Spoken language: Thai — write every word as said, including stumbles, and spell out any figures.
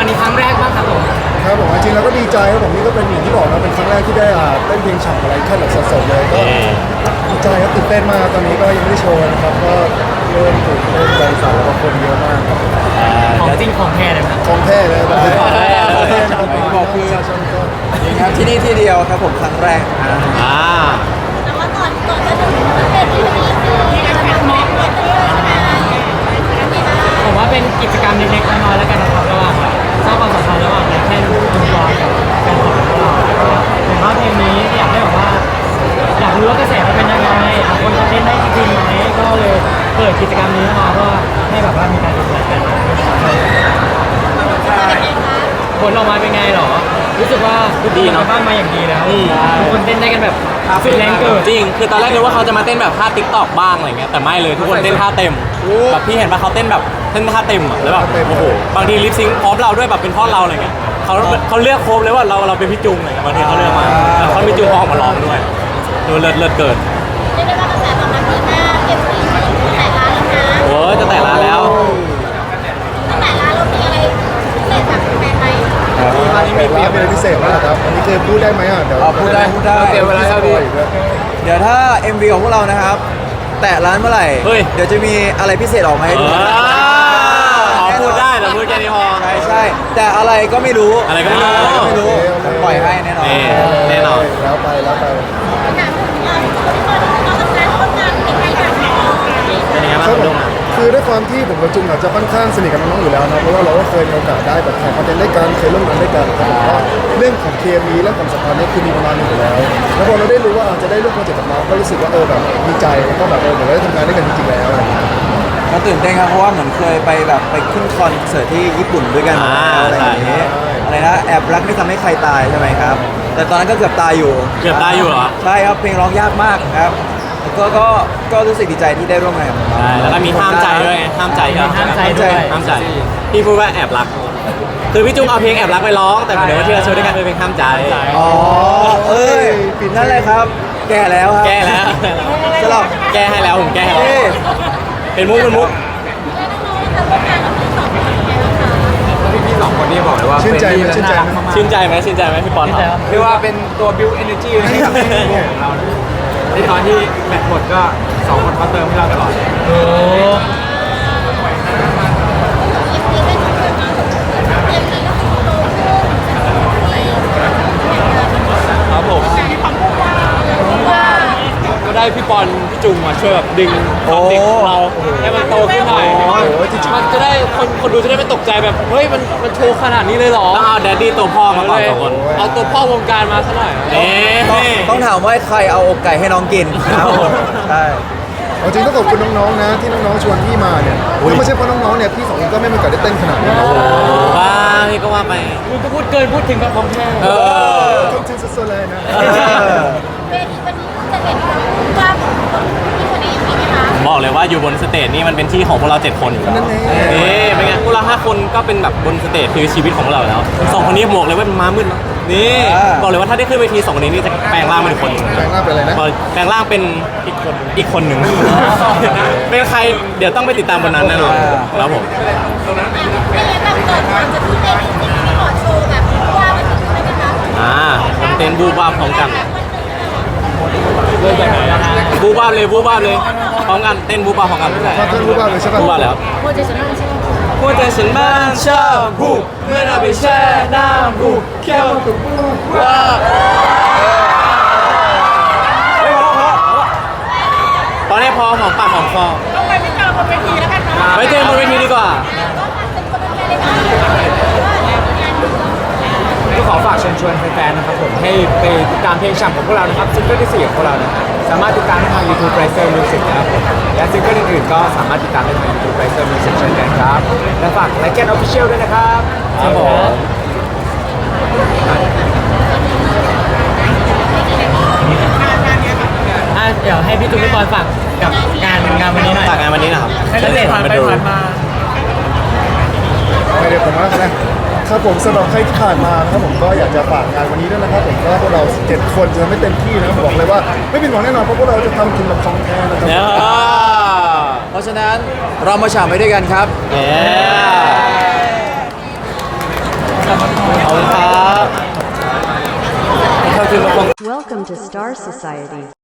รั้งนี้ครั้งแรกบ้างครับผมครับผมจริงๆแล้วก็ดีใจครับผมนี่ก็เป็นอย่างที่บอกนะเป็นครั้งแรกที่ได้อ่าเต้นเพลงฉ่ำอะไรแค่แบบสดๆเลยก็ดีใจครับตื่นเต้นมากตอนนี้ก็ยังไม่ได้โชว์นะครับก็เริ่มตื่นเต้นใจสั่นแล้วก็คนเยอะมากครับของจริงของแท้เลยครับของแท้เลยแบบนี้ของแท้ครับบอกคือนี่ครับที่นี่ที่เดียวครับผมครั้งแรกอ่าแต่ว่าก่อนก่อนจะถึงประเทศที่นี่คือการทำม็อกเปิดตัวใช่ไหมผมว่าเป็นกิจกรรมเล็กๆน้อยๆแล้วกันนะครับระหว่างสร้างความสัมพันธ์ระหว่างแค่คุณบอลกับแฟนคลับของเราผมว่าเพลงนี้อยากให้แบบว่าอยากรู้ว่ากระแสมันเป็นยังไงคนจะเล่นได้จริงไหมก็เลยเปิดกิจกรรมนี้มาเพื่อให้แบบว่ามีการติดต่อกันผลออกมาเป็นไงหรอรู้สึกว่าดีเนาะบ้านมาอย่างดีแล้วทุกคนเต้นได้กันแบบสุดแรงเกิดจริงคือตอนแรกนึกว่าเขาจะมาเต้นแบบท่าติ๊กตอกบ้างอะไรเงี้ยแต่ไม่เลยทุกคนเต้นท่าเต็มแบบพี่เห็นป่ะเขาเต้นแบบเต้นท่าเต็มอ่ะแล้วแบบโอ้โหบางทีลิปซิงค์พร้อมเราด้วยแบบเป็นพ่อเราอะไรเงี้ยเขาเขาเลือกโค้ดเลยว่าเราเราเป็นพี่จุงอะไรเงี้ยบางทีเขาเลือกมาแล้วเขาพี่จุงออกมาร้องด้วยดูเลิศเลิศเกิดเรียกได้ว่ากระแสตอบรับดีมากเก็บสีแต่ร้านแล้วนะโอ้จะแต่ร้านแล้วตั้งแต่ร้านเรามีอะไรพิเศษแบบแปลกไหมอันนี้มีเปลี่ยนเป็นพิเศษไหมครับอันนี้เคยพูดได้ไหมอ่ะเดี๋ยวพูดได้พูดได้เตรียมเวลาเท่าดีเดี๋ยวถ้า เอ็ม วี ของพวกเรานะครับแตะร้านเมื่อไหร่เดี๋ยวจะมีอะไรพิเศษออกมาให้ดูขอพูดได้แต่พูดแค่นี้พอใช่ใช่แต่อะไรก็ไม่รู้อะไรก็ไม่รู้ไม่รู้ปล่อยให้แน่นอนแน่นอนแล้วไปแล้วไปถามถึงเออทุกคนเราทำงานร่วมกันเป็นใครแบบไหนเป็นยังไงบ้างครับผมคือด้วยความที่ผมกับจุงอาจจะค่อนข้างสนิทกับน้องๆอยู่แล้วนะเพราะว่าเราก็เคยมีโอกาสได้แบบถ่ายคอนเทนต์ด้วยกันเคยร่วมงานด้วยกันครับผมก็เรื่องของเคมีและความสัมพันธ์นี่คือมีประมาณนึงอยู่แล้วแล้วพอเราได้รู้ว่าจะได้ร่วมโปรเจกต์กับน้องก็รู้สึกว่าเออแบบดีใจแล้วก็แบบเออเหมือนได้ทำงานด้วยกันจริงๆแล้วก็ตื่นเต้นครับเพราะว่าเหมือนเคยไปแบบไปขึ้นคอนเสิร์ตที่ญี่ปุ่นด้วยกันอะไรอย่างเงี้ยอะไรนะแอบรักไม่ทำให้ใครตายใช่ไหมครับแต่ตอนนั้นก็เกือบตายอยู่เกือบตายอยู่เหรอใช่ครับเพลงร้องยากมากครับก็ก็ก็รู้สึกดีใจที่ได้ร่วมงานกับน้องใช่แล้วก็มีห้ามใจด้วยไงห้ามใจห้ามใจด้วยห้ามใจพี่พูดว่าแอบรักคือพี่จุ๊บเอาเพลงแอบรักไปร้องแต่เดี๋ยวว่าที่เราโชว์ด้วยกันคือเพลงห้ามใจอ๋อเอ้ยนั่นเลยครับแก้แล้วครับแก้แล้วสลับแก้ให้แล้วผมแก้ให้แล้วเป็นมุกเป็นมุกพี่สองคนนี้บอกเลยว่าชื่นใจไหมชื่นใจไหมชื่นใจไหมชื่นใจไหมพี่ปอนเรียกว่าเป็นตัว build energy ให้กับวงของเราในตอนที่แบตหมดก็สองคนเขาเติมให้เราตลอดโอ้ครับผมก็ได้พี่ปอนพี่จุงมาช่วยแบบดึงความเด็กของเราให้มันโตขึ้นหน่อยมันจะได้คนคนดูจะได้ไม่ตกใจแบบเฮ้ยมันมันโชว์ขนาดนี้เลยหรอต้องเอาแดดดี้ตัวพ่อมาก่อนสองคนเอาตัวพ่อวงการมาซะหน่อยเอ๊ะต้องถามว่าใครเอาอกไก่ให้น้องกินใช่จริงต้องขอบคุณน้องๆนะที่น้องๆชวนพี่มาเนี่ยถ้าไม่ใช่เพราะน้องๆเนี่ยพี่สองคนก็ไม่มีโอกาสได้เต้นขนาดนี้ว้าพี่ก็ว่าไปคุณก็พูดเกินพูดถึงกับของแท้เออทุกชิ้นสุดๆเลยนะเวทีวันนี้จะเห็นว่าที่คนนี้มีไหมคะบอกเลยว่าอยู่บนสเตจนี่มันเป็นที่ของพวกเราเจ็ดคนอยู่แล้วนี่เป็นไงพวกเราห้าคนก็เป็นแบบบนสเตจคือชีวิตของเราแล้วสองคนนี้บอกเลยว่าเป็นม้ามืดนี่บอกเลยว่าถ้าได้ขึ้นเวทีสองคนนี้นี่จะแปลงร่างเป็นคนแปลงร่างเป็นอะไรนะแปลงร่างเป็นอีกคนอีกคนหนึ่งเป็นใครเดี๋ยวต้องไปติดตามบนนั้นแน่นอนครับผมไม่งั้นแบบเกิดความจะทุ่มเทจริงๆที่ขอโชว์แบบว่ามันถึงได้ไหมคะอ่าเต้นบูบ้าพร้อมกันเริ่มจากไหนนะบูบ้าเลยบูบ้าเลยพร้อมกันเต้นบูบ้าพร้อมกันเต้นบูบ้าเลยใช่ป่ะบูบ้าแล้วหัวใจฉันนั่งชอบหัวใจฉันนั่งชอบบูเมื่อเราไปแช่น้ำบูแค่มันก็บูบ้าตอนนี้พอหอมปากหอมคอต้องไปไม่เจอบนเวทีแล้วกันนะไปเจอบนเวทีดีกว่าก็ขอฝากเชิญชวนแฟนๆนะครับผมให้ไปติดตามเพลงฉ่ำของพวกเรานะครับซิงเกิลที่สี่ของพวกเรานะครับสามารถติดตามได้ทาง YouTube Riser Music นะครับผมและซิงเกิลอื่นๆก็สามารถติดตามได้ทาง YouTube Riser Music เช่นกันครับและฝากไลค์แกนออฟฟิเชียลด้วยนะครับครับผมอ่ะเดี๋ยวให้พี่จุ๊บพี่ปอนฝากกับงานงานวันนี้หน่อยฝากงานวันนี้นะครับให้เด็กผ่านไปผ่านมาไม่ได้ผมว่านะครับผมสำหรับใครที่ผ่านมานะครับผมก็อยากจะฝากงานวันนี้ด้วยนะครับผมก็พวกเราเจ็ดคนจะไม่เต็มที่นะครับบอกเลยว่าไม่ผิดหวังแน่นอนเพราะพวกเราจะทำถึงแบบของแท้นะครับเพราะฉะนั้นเรามาฉ่ำไปด้วยกันครับกับน้องๆขอบคุณครับขอบคุณทุกคน Welcome to Star Society.